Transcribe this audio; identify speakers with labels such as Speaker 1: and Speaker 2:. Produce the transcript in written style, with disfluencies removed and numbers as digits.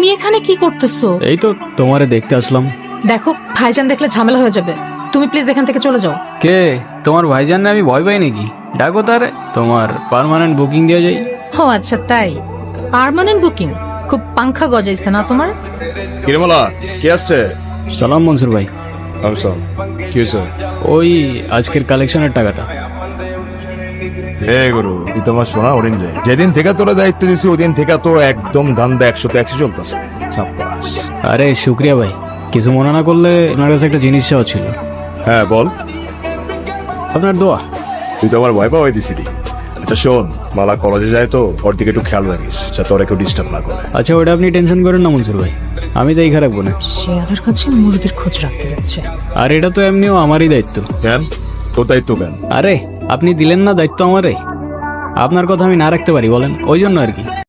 Speaker 1: এখানে কি করতেছো?
Speaker 2: এই তো তোমারে দেখতে আসলাম।
Speaker 1: দেখো ভাইজান দেখলে ঝামেলা হয়ে যাবে, তুমি প্লিজ এখান থেকে চলে যাও।
Speaker 2: কে তোমার ভাইজান? আমি ভয় পাই নাকি? ডাকো তারে, তোমার পার্মানেন্ট বুকিং দিয়ে যাই।
Speaker 1: ও আচ্ছা তাই, পার্মানেন্ট বুকিং? খুব পাংখা গজাইছে না তোমার?
Speaker 3: কিরমলা কে আসছে?
Speaker 2: সালাম মনসুর ভাই।
Speaker 3: আমসাম, কি হয়েছে?
Speaker 2: ওই আজকের কালেকশনের টাকাটা।
Speaker 3: হে গুরু, তুই তোমার শোনা হরিণ রে। যেদিন থেকে তোরা দায়িত্ব দিছি ওই দিন থেকে তো একদম ধান্দা 100-100 চলতেছে। সাব্বাস।
Speaker 2: আরে শুক্রিয়া ভাই, কিছু মনে না করলে আপনার কাছে একটা জিনিস চাওয়া ছিল।
Speaker 3: হ্যাঁ বল।
Speaker 2: আপনার দোয়া।
Speaker 3: তুই তো আমার ভয় পাওয়াই দিছিলি। আচ্ছা শোন, মালা কলেজে যায় তো ওর দিকে একটু খেয়াল রাখিস যাতে ওরা কেউ ডিস্টার্ব না করে।
Speaker 2: আচ্ছা ওটা আপনি টেনশন করেন না মনসুর ভাই, আমি তো এইখানে রাখবো না।
Speaker 1: শেয়ারের কাছে মুরগির খোঁজ রাখতে যাচ্ছে।
Speaker 2: আর এটা তো এমনিও আমারই দায়িত্ব।
Speaker 3: কেন তোর দায়িত্ব কেন?
Speaker 2: আরে আপনি দিলেন না দায়িত্ব আমারে, আপনার কথা আমি না রাখতে পারি বলেন, ওই জন্য আর কি।